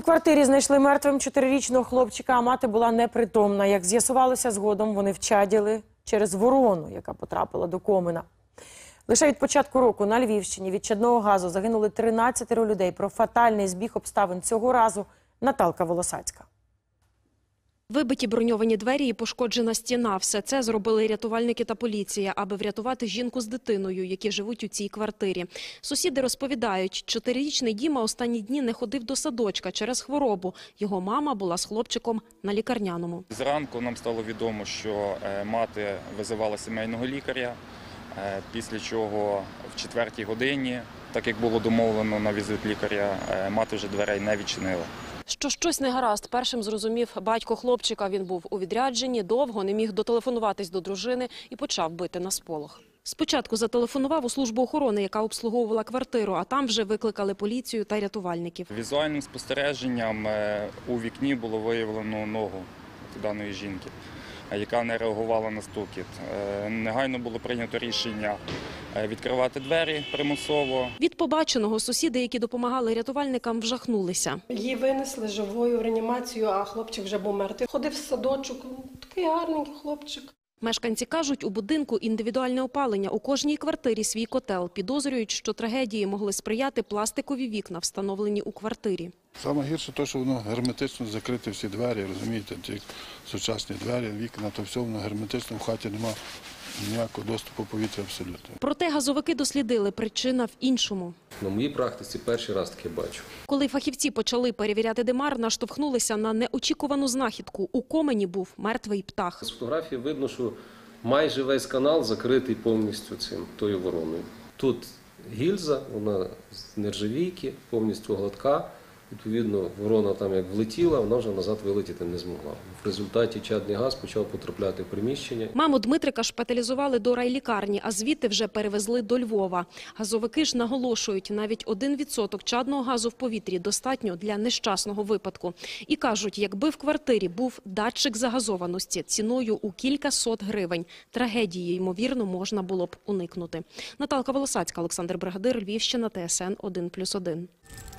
квартирі знайшли мертвим 4-річного хлопчика, а мати була непритомна. Як з'ясувалося згодом, вони вчаділи через ворону, яка потрапила до комина. Лише від початку року на Львівщині від чадного газу загинули 13 людей. Про фатальний збіг обставин цього разу Наталка Волосацька. Вибиті броньовані двері і пошкоджена стіна – все це зробили рятувальники та поліція, аби врятувати жінку з дитиною, які живуть у цій квартирі. Сусіди розповідають, 4-річний Діма останні дні не ходив до садочка через хворобу. Його мама була з хлопчиком на лікарняному. Зранку нам стало відомо, що мати визивала сімейного лікаря, після чого в 4-й годині, так як було домовлено на візит лікаря, мати вже дверей не відчинила. Що щось не гаразд, першим зрозумів батько хлопчика. Він був у відрядженні, довго не міг дотелефонуватись до дружини і почав бити на сполох. Спочатку зателефонував у службу охорони, яка обслуговувала квартиру, а там вже викликали поліцію та рятувальників. Візуальним спостереженням у вікні було виявлено ногу даної жінки, яка не реагувала на стукіт. Негайно було прийнято рішення відкривати двері примусово. Від побаченого сусіди, які допомагали рятувальникам, вжахнулися. Її винесли живою в реанімацію, а хлопчик вже був мертвий. Ходив в садочок, такий гарненький хлопчик. Мешканці кажуть, у будинку індивідуальне опалення, у кожній квартирі свій котел. Підозрюють, що трагедії могли сприяти пластикові вікна, встановлені у квартирі. Саме гірше те, що воно герметично закрите всі двері, розумієте, ті сучасні двері, вікна, то все воно герметично, в хаті немає ніякого доступу повітря абсолютно. Проте газовики дослідили, причина в іншому. На моїй практиці перший раз таке бачу. Коли фахівці почали перевіряти димар, наштовхнулися на неочікувану знахідку. У комені був мертвий птах. З фотографії видно, що майже весь канал закритий повністю тою вороною. Тут гільза, вона з нержавійки, повністю гладка. Відповідно, ворона там як влетіла, вона вже назад вилетіти не змогла. В результаті чадний газ почав потрапляти в приміщення. Маму Дмитрика шпиталізували до райлікарні, а звідти вже перевезли до Львова. Газовики ж наголошують, навіть 1% чадного газу в повітрі достатньо для нещасного випадку. І кажуть, якби в квартирі був датчик загазованості ціною у кількасот гривень, трагедії, ймовірно, можна було б уникнути. Наталка Волосацька, Олександр Бригадир, Львівщина, ТСН 1+1.